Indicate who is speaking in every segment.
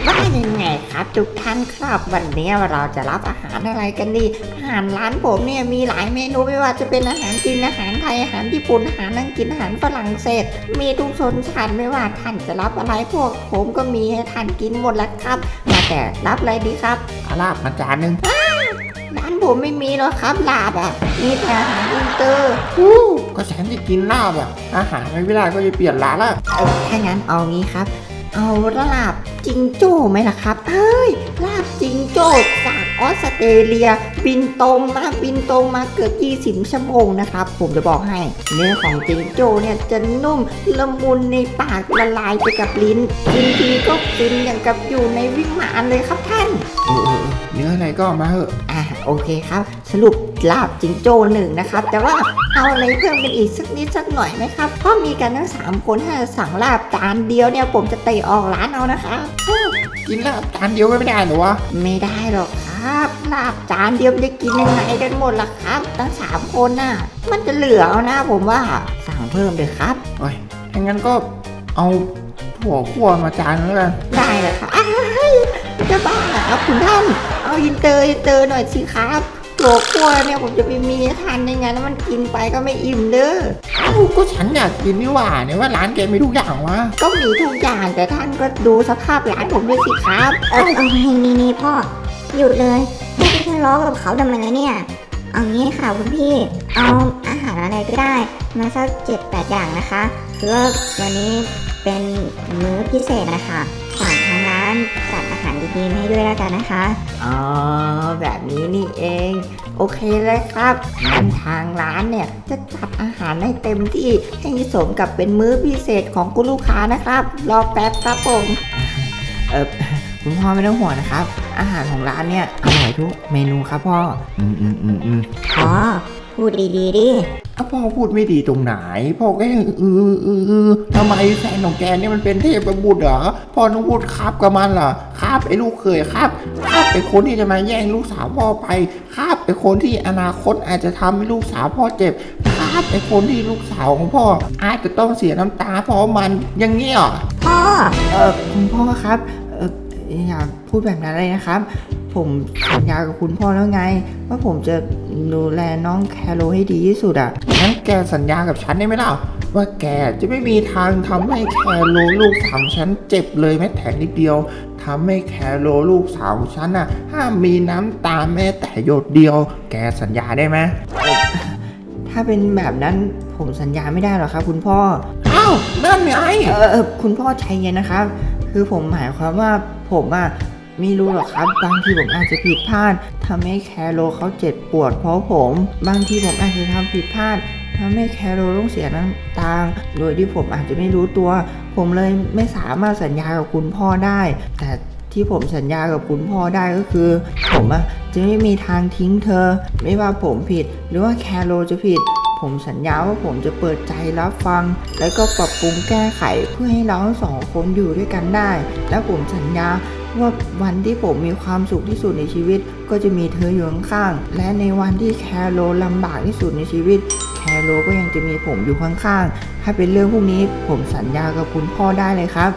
Speaker 1: ว่ายังไงครับทุกท่านครับวันนี้เราจะรับอาหารอะไรกันดีอาหารร้านผมเนี่ยมีหลายเมนูไม่ว่าจะเป็นอาหารจีนอาหารไทยอาหารญี่ปุ่นอาหารอังกฤษอาหารฝรั่งเศสมีทุกชนชาติไม่ว่าท่านจะรับอะไรพวกผมก็มีให้ท่านกินหมดแล้วครับมาแต่รับอะไรดีครับ
Speaker 2: ลาบมาจานหนึ่ง
Speaker 1: ร้านผมไม่มีหรอกครับลาบมีแต่อาหารอินเตอร์
Speaker 2: ก็ฉันจะกินลาบอาหารไม่ได้ก็จะเปลี่ยนร้านละ
Speaker 1: ถ้างั้นเอางี้ครับเอาลาบจิงโจ้ไหมล่ะครับลาบจิงโจ้จากออสเตรเลียบินตรงมาเกือบ20 ชั่วโมงนะครับผมจะบอกให้เนื้อของจิงโจ้เนี่ยจะนุ่มละมุนในปากละลายไปกับลิ้นกินทีก็ฟินอย่างกับอยู่ในวิมานเลยครับท่าน
Speaker 2: เนื้ออะไรก็มาเถอะ
Speaker 1: โอเคครับสรุปลาบจิงโจ้1นะครับแต่ว่าเอาอะไรเพิ่มกันอีกสักนิดสักหน่อยไหมครับเพราะมีกันทั้ง3คนถ้าสั่งลาบจานเดียวเนี่ยผมจะเตะออกร้านเอานะคะ
Speaker 2: กินลาบจานเดียวไม่ได้หรอวะ
Speaker 1: ไม่ได้หรอกครับลาบจานเดียวจะกินยังไงกันหมดล่ะครับทั้ง3คนน่ะมันจะเหลือเอานะผมว่าสั่งเพิ่มเลยครับ
Speaker 2: โอ้ยงั้นก็เอาถั่วคั่วมาจานแล้วกัน
Speaker 1: ได้เลยครับจะบ้าเหรอครับคุณท่านเอาอินเตอร์หน่อยสิครับถั่วคั่วเนี่ยผมจะไปมีทานในงานแล้วมันกินไปก็ไม่อิ่มเด้อ
Speaker 2: ก็ฉันอยากกินนี่หว่าเนี่ยว่าร้านแกมีทุกอย่างวะ
Speaker 1: ก็มีทุกอย่างแต่ท่านก็ดูสภาพร้านผมด้วยสิครับ
Speaker 3: นี่พ่อหยุดเลยไม่ไปทะเลาะกับเขาทำไมเนี่ยเอางี้ค่ะคุณพี่เอาอาหารอะไรก็ได้มาสัก7-8 อย่างนะคะคือว่าวันนี้เป็นมื้อพิเศษนะคะฝากทางร้านจัดอาหารดีๆให้ด้วยแล้วกันนะคะ
Speaker 1: แบบนี้นี่เองโอเคเลยครับงั้นทางร้านเนี่ยจะจัดอาหารให้เต็มที่ให้สมกับเป็นมื้อพิเศษของคุณลูกค้านะครับรอแป๊บครับผมคุณพ่อไม่ต้องห่วงนะครับอาหารของร้านเนี่ยอร่อยทุกเมนูครับพ่อ
Speaker 3: พ่อพูดดีๆดิ
Speaker 2: พ่อพูดไม่ดีตรงไหนพ่อก็ยังทำไมแฟนของแกเนี่ยมันเป็นเทพบุตรเหรอพ่อต้องพูดครับกับมันเหรอครับไอ้ลูกเคยครับไอ้คนที่จะมาแย่งลูกสาวพ่อไปครับไอ้คนที่อนาคตอาจจะทำให้ลูกสาวพ่อเจ็บครับไอ้คนที่ลูกสาวของพ่ออาจจะต้องเสียน้ำตาเพราะมันอย่างเงี้ย
Speaker 3: พ่อ
Speaker 1: คุณพ่อครับอย่าพูดแบบนั้นเลยนะครับผมสัญญากับคุณพ่อแล้วไงว่าผมจะดูแลน้องแคโรให้ดีที่สุด
Speaker 2: งั้นแกสัญญากับฉันได้ไหมล่ะว่าแกจะไม่มีทางทำให้แคโรลูกสาวฉันเจ็บเลยแม้แต่นิดเดียวทำให้แคโรลูกสาวฉันห้ามมีน้ำตาแม้แต่หยดเดียวแกสัญญาได้ไหม
Speaker 1: ถ้าเป็นแบบนั้นผมสัญญาไม่ได้หรอกครับคุณพ่อ
Speaker 2: นั่นไง
Speaker 1: คุณพ่อใจเย็นนะครับคือผมหมายความว่าผมไม่รู้หรอกครับบางทีผมอาจจะผิดพลาดทำให้แคโรเขาเจ็บปวดเพราะผมบางทีผมอาจจะทำผิดพลาดทำให้แคโรต้องเสียน้ำตาโดยที่ผมอาจจะไม่รู้ตัวผมเลยไม่สามารถสัญญากับคุณพ่อได้แต่ที่ผมสัญญากับคุณพ่อได้ก็คือผมจะไม่มีทางทิ้งเธอไม่ว่าผมผิดหรือว่าแคโรจะผิดผมสัญญาว่าผมจะเปิดใจรับฟังแล้วก็ปรับปรุงแก้ไขเพื่อให้เราทั้งสองคนอยู่ด้วยกันได้และผมสัญญาว่าวันที่ผมมีความสุขที่สุดในชีวิตก็จะมีเธออยู่ข้างๆและในวันที่แคโรลำบากที่สุดในชีวิตแคโรก็ยังจะมีผมอยู่ข้างๆถ้าเป็นเรื่องพวกนี้ผมสัญญากับคุณพ่อได้เลยครับ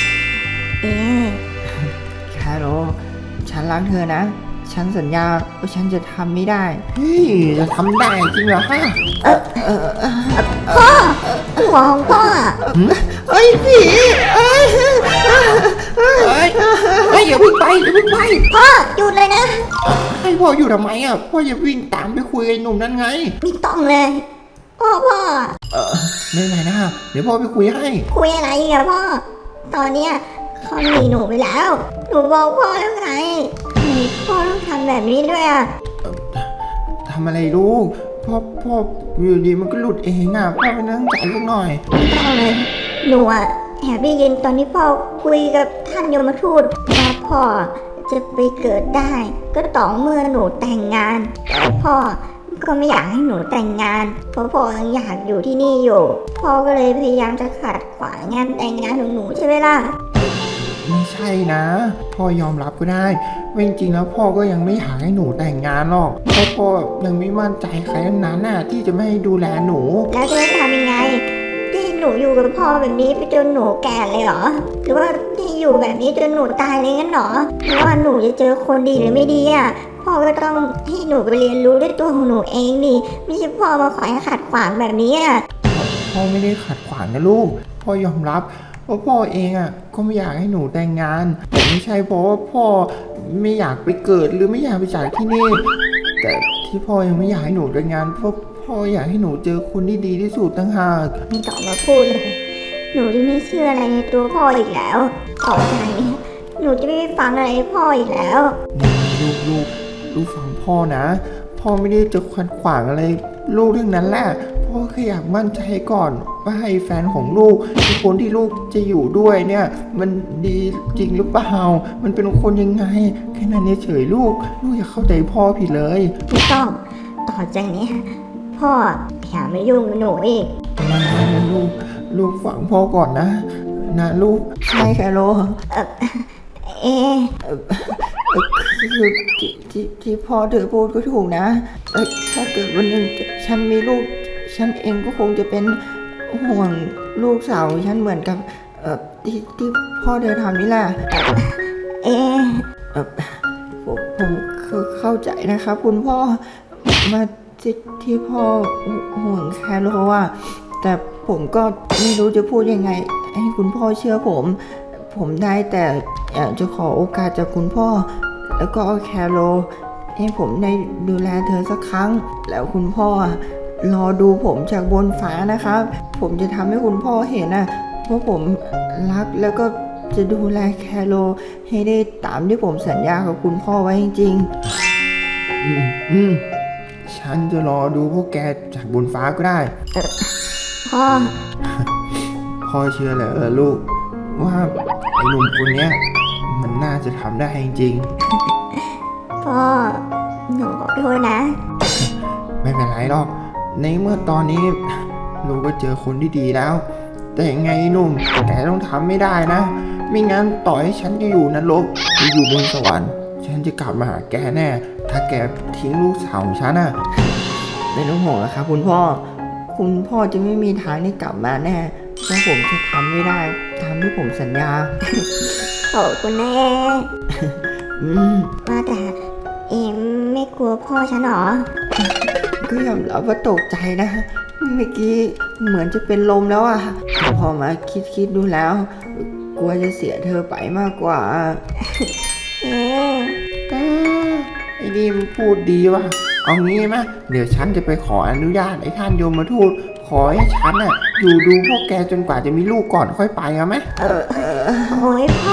Speaker 1: แคโรฉันรักเธอนะฉันสัญญาว่าฉันจะทำไม่ได้
Speaker 2: จะทำได้จริงเหรอฮะ
Speaker 3: พ่อหัวของพ่อ
Speaker 1: ผี
Speaker 2: อย่าวิ่งไป
Speaker 3: พ่อหยุดเลยนะ
Speaker 2: ให้พ่ออยู่ทำไมพ่ออย่าวิ่งตามไปคุยกับหนุ่มนั่นไง
Speaker 3: ไม่ต้องเลยพ่อ
Speaker 2: ไม่เป็นไรนะเดี๋ยวพ่อไปคุยให้
Speaker 3: คุยอะไรพ่อตอนเนี้ยเขาหนีหนูไปแล้วหนูบอกพ่อแล้วไงพ่อต้องทำแบบนี้ด้วย
Speaker 2: ทำอะไรลูกพ่ออยู่ดีมันก็หลุดเองพ่อไปนั่งใจลูกหน่อย
Speaker 3: ไม่ต้องเลยหนูแอบได้ยินตอนที่พ่อคุยกับท่านยมทูตว่าพ่อจะไปเกิดได้ก็ต่อเมื่อหนูแต่งงานแต่พ่อก็ไม่อยากให้หนูแต่งงานเพราะพ่อยังอยากอยู่ที่นี่อยู่พ่อก็เลยพยายามจะขัดขวางงานแต่งงานของหนูใช่ไหมล่ะ
Speaker 2: ไม่ใช่นะพ่อยอมรับก็ได้ว่าจริงๆแล้วพ่อก็ยังไม่อยากให้หนูแต่งงานหรอกเพราะพ่อยังไม่มั่นใจใครทั้งนั้นที่จะไม่ให้ดูแลหนู
Speaker 3: แล้วจะทำยังไงที่หนูอยู่กับพ่อแบบนี้ไปจนหนูแก่เลยเหรอหรือว่าที่อยู่อยู่แบบนี้จนหนูตายเลยงั้นเหรอว่าหนูจะเจอคนดีหรือไม่ดีอ่ะพ่อก็ต้องให้หนูไปเรียนรู้ด้วยตัวของหนูเองดิไม่ใช่พ่อมาคอยขัดขวางแบบนี้อ่ะ
Speaker 2: พ่อไม่ได้ขัดขวางนะลูกพ่อยอมรับว่าพ่อเองอ่ะก็ไม่อยากให้หนูแต่งงานแต่ไม่ใช่เพราะว่าพ่อไม่อยากไปเกิดหรือไม่อยากไปจากที่นี่แต่ที่พ่อยังไม่อยากให้หนูแต่งงานเพราะพ่ออยากให้หนูเจอคนที่ดีที่สุดตั้งหาก
Speaker 3: ไม่ต้องมาพูดเลย หนูจะไม่เชื่ออะไรในตัวพ่ออีกแล้วต่อจากนี้หนูจะไม่ฟังอะไรพ่ออีกแล้ว
Speaker 2: ลูกฟังพ่อนะ พ่อไม่ได้จะขัดขวางอะไรลูกเรื่องนั้นแหละพ่อแค่อยากมั่นใจก่อนว่าให้แฟนของลูกคือคนที่ลูกจะอยู่ด้วยเนี่ย มันดีจริงหรือเปล่ามันเป็นคนยังไงแค่นั้นเฉยๆลูกอย่าเข้าใจพ่อผิดเลย
Speaker 3: ไม่ต้องต่อจากนี้พ่ออย่ามายุ่งกับหนูอีก
Speaker 2: ไม่นะลูกฟังพ่อก่อนนะลูก
Speaker 1: ใช่แคโร
Speaker 3: เอ๊ะ
Speaker 1: คือที่พ่อเธอพูดก็ถูกนะถ้าเกิดวันหนึ่งฉันมีลูก ฉันเองก็คงจะเป็นห่วงลูกสาวฉันเหมือนกับที่พ่อเธอทำนี่แหละ
Speaker 3: เอ๊ะ
Speaker 1: ผมเข้าใจนะครับคุณพ่อมาที่พ่อห่วงแคโรอ่ะแต่ผมก็ไม่รู้จะพูดยังไง ให้คุณพ่อเชื่อผมได้แต่อยากจะขอโอกาสจากคุณพ่อ แล้วก็แคโรให้ผมได้ดูแลเธอสักครั้ง แล้วคุณพ่อรอดูผมจากบนฟ้านะครับ ผมจะทำให้คุณพ่อเห็นนะว่าผมรักแล้วก็จะดูแลแคโรให้ได้ตามที่ผมสัญญากับคุณพ่อไว้จริง
Speaker 2: ฉันจะรอดูพวกแกจากบนฟ้าก็ได้
Speaker 3: พ่อ
Speaker 2: พ่อเชื่อเหรอลูกว่าไอ้หนุ่มคนเนี้ยมันน่าจะทำได้จริง
Speaker 3: พ่อหนูขอโทษนะ
Speaker 2: ๆไม่เป็นไรหรอกในเมื่อตอนนี้ลูกก็เจอคนที่ดีแล้ว แต่ยังไงหนุ่มแกต้องทำไม่ได้นะไม่งั้นต่อให้ฉันจะอยู่นรกหรืออยู่บนสวรรค์ฉันจะกลับมาหาแกแน่ ถ้าแกทิ้งลูกสาวของฉันน่ะ
Speaker 1: ๆไม่ต้องห่วงนะครับคุณพ่อจะไม่มีทางได้กลับมาแน่เพราะผมจะทำไม่ได้ตามที่ผมสัญญา
Speaker 3: ขอบคุณนะเอ๊ะ
Speaker 1: อืม
Speaker 3: ว่าแต่เอ็มไม่กลัวพ่อฉันหรอ
Speaker 1: ก็ยอมรับว่าตกใจนะ เมื่อกี้เหมือนจะเป็นลมแล้วอะแต่พอมาคิดดูแล้ว กลัวจะเสียเธอไปมากกว่า
Speaker 3: เอ๊ะ
Speaker 2: ไอ้นี่มันพูดดีว่ะเอางี้ไหมเดี๋ยวฉันจะไปขออนุญาตไอ้ท่านยมทูตขอให้ฉันน่ะอยู่ดูพวกแกจนกว่าจะมีลูกก่อนค่อยไปเอาไหม
Speaker 3: โอ้ยพ่อ